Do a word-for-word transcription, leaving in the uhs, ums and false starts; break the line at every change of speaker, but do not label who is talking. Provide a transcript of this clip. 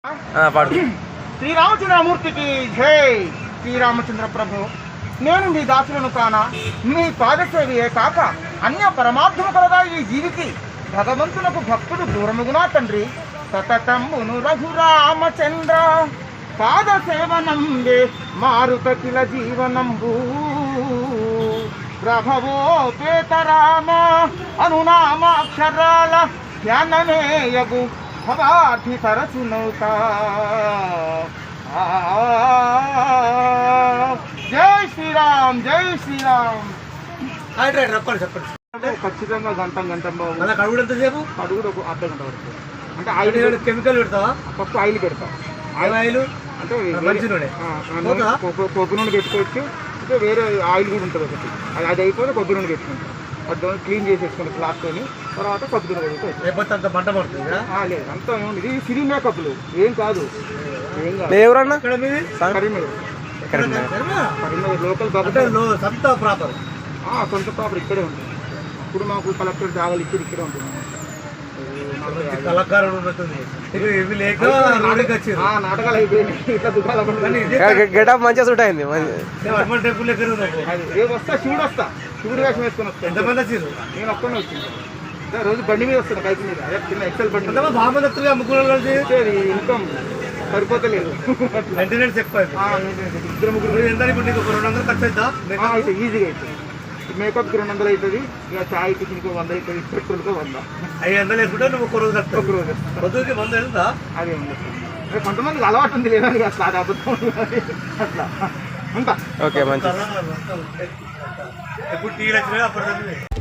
శ్రీరామచంద్రమూర్తికి జై. శ్రీరామచంద్ర ప్రభు, నేను మీ దాసులను కాన మీ పాదసేవియే కాక అన్య పరమార్థము కలదా ఈ జీవికి భగవంతునకు భక్తుడు దూరముగునా తండ్రి. సతతంబును రఘురామచంద్ర పాద సేవనంబే మారుత కిల జీవనంబు. ప్రభవో పేతరామ అనునామాక్షరాల ధ్యానమేయగు భవార్థి తరచునౌతా. జై శ్రీరామ్, జై శ్రీరామ్.
చెప్పండి చెప్పండి.
ఖచ్చితంగా గంట గంట
అలా కడుగుడు ఎంతసేపు?
కడుగుడు ఒక అర్ధ గంట వరకు. అంటే ఆయిల్
కెమికల్ పెడతావా?
ఫస్ట్ ఆయిల్ పెడతా.
ఆయిల్ ఆయిల్
అంటే
మంచి నూనె,
కొబ్బరి నూనె పెట్టుకోవచ్చు. అంటే వేరే ఆయిల్ కూడా ఉంటుంది ఒకటి, అది అది అయిపోతే కొబ్బరి నూనె పెట్టుకుంటాం. అది క్లీన్ చేసేసుకుంటాం క్లాత్తోని. తర్వాత కొబ్బరి నూనె పెట్టుకోవచ్చు.
లేకపోతే అంత మంట పడుతుంది.
లేదు, అంతా ఏముంది, ఇది సిరి మేకప్లు ఏం కాదు. ఏం కాదు.
ఎవరన్నా
కరీంనగర్ కరీంనగర్ లోకల్
సొంత ప్రాపర్
సొంత ప్రాపర్ ఇక్కడే ఉంటుంది. ఇప్పుడు మాకు కలెక్టర్ జాగాలు ఇచ్చి ఇక్కడే ఉంటుంది.
కళాకారుడు ఉంటుంది.
నాటకాలు అయిపోయింది. ఇట్లా
గెటప్ మంచిగా సూట్ అయింది.
టెంపుల్ ఎక్కడ
రేపు వస్తా, శివుడు వస్తా, శివుడు వేషం వేసుకొని వస్తా.
ఎంతమంది వచ్చారు?
నేను ఒక్కనే వచ్చింది. రోజు బండి మీద వస్తాను, బైక్ మీద, చిన్న ఎక్సెల్ బండి.
బాగుంది వస్తుంది. అమ్ముకున్న
ఇన్కమ్ సరిపోతలేదు.
మెయింటెనెన్స్ ఎక్కువ.
ఇద్దరు ముగ్గురు
ఎంత ఇప్పుడు నీకు రెండు వందలు ఖర్చు అవుతా?
అయితే ఈజీగా అవుతుంది. మేకప్కి రెండు వందలు అవుతుంది, ఇక చాయ్ టిఫిన్కి వంద అవుతుంది, పెట్రోల్కి వంద.
ఐదు వందలు వేసుకుంటే నువ్వు ఒక రోజు
ఒక రోజు
పొద్దుకి వంద వెళ్తా.
అదే ఉంది. కొంతమందికి అలవాటు ఉంది లేదని అట్లా, అది అబద్ధం అట్లా ఉంటా.
ఓకే, మంచి.
ఎప్పుడు టీవీలు వచ్చినా అప్పుడు